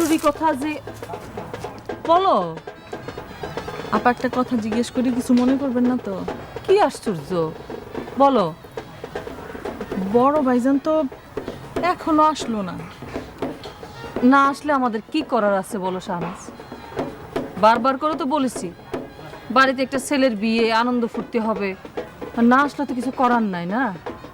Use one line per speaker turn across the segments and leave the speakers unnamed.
জরুরি কথা যে বলো।
আপা একটা কথা জিজ্ঞেস করি, কিছু মনে করবেন না তো?
কি আশ্চর্য, বলো।
বড় ভাইজান তো এখনো আসলো না।
না আসলে আমাদের কি করার আছে বলো শাহনাজ? বারবার করে তো বলেছি বাড়িতে একটা ছেলের বিয়ে, আনন্দ ফুর্তি হবে, আর না আসলে তো কিছু করার নাই না।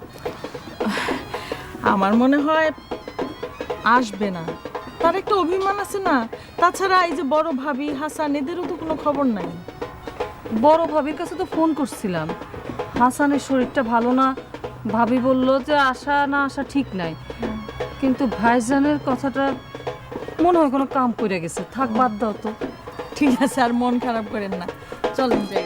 আমার মনে হয় আসবে না, তার একটা অভিমান আছে না। তাছাড়া এই যে বড় ভাবি হাসান, এদেরও তো কোনো খবর নাই।
বড় ভাবির কাছে তো ফোন করছিলাম, হাসানের শরীরটা ভালো না, ভাবি বলল যে আসা না আসা ঠিক নাই। কিন্তু ভাইজানের কথাটা মনে হয় কোনো কাম করে গেছে, থাক বাদ দাও তো।
ঠিক আছে, আর মন খারাপ করেন না, চলেন যাই।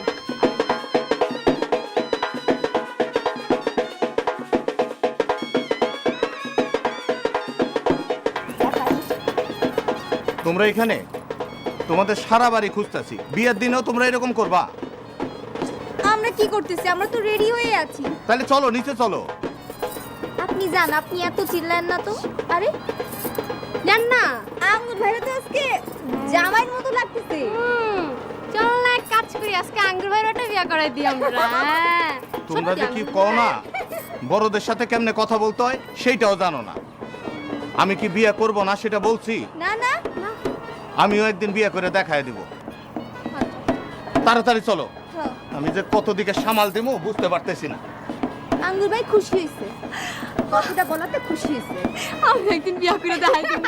তোমরা এখানে? তোমাদের সারা বাড়ি খুঁজতেছি, বিয়ের দিনেও তোমরা এরকম করবা?
আমরা কি করতেছি? আমরা তো রেডি হয়ে আছি।
তাহলে চলো নিচে চলো।
আপনি যান, আপনি এত চিল্লান না তো। আরে যান না, আঙ্গুর ভাইরা তো আজকে জামাইয়ের মতো লাগতেছে। চল না এক কাজ করি, আজকে আঙ্গুর ভাইরাটা বিয়ে করাই দিই আমরা।
তোমরা যে কি কও না, বড়দের সাথে কেমনে কথা বলতে হয় সেইটাও জানো না। আমি কি বিয়ে করব না সেটা বলছি?
না না না,
আমিও একদিন বিয়ে করে দেখায় দিব। তাড়াতাড়ি চলো, আমি যে কত দিকে সামাল দেবো বুঝতে পারতেছি না।
আঙ্গুর ভাই খুশি হয়েছে, কথাটা বলাতে খুশি হয়েছে।
আমি একদিন বিয়ে করে দেখাই দেব।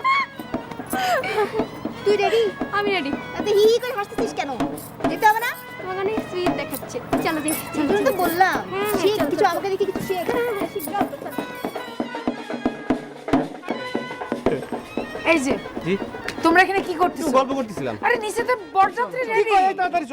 তুই রেডি?
আমি রেডি।
এত হি হি করে হাসতেছিস কেন? যেতে হবে না?
তোমাকে অনেক সুইট দেখাচ্ছে। চলো দেখি।
তুমি তো বললাম
হ্যাঁ,
শিখ
চল,
কিছু,
চল।
আমাকে দেখি কিছু শেখ। শিখ যাও, চল।
এই যে
জি
তোমরা এখানে কি করতেছো?
গল্প করতেছিলাম।
আরে নিচে তো বরযাত্রী রেডি।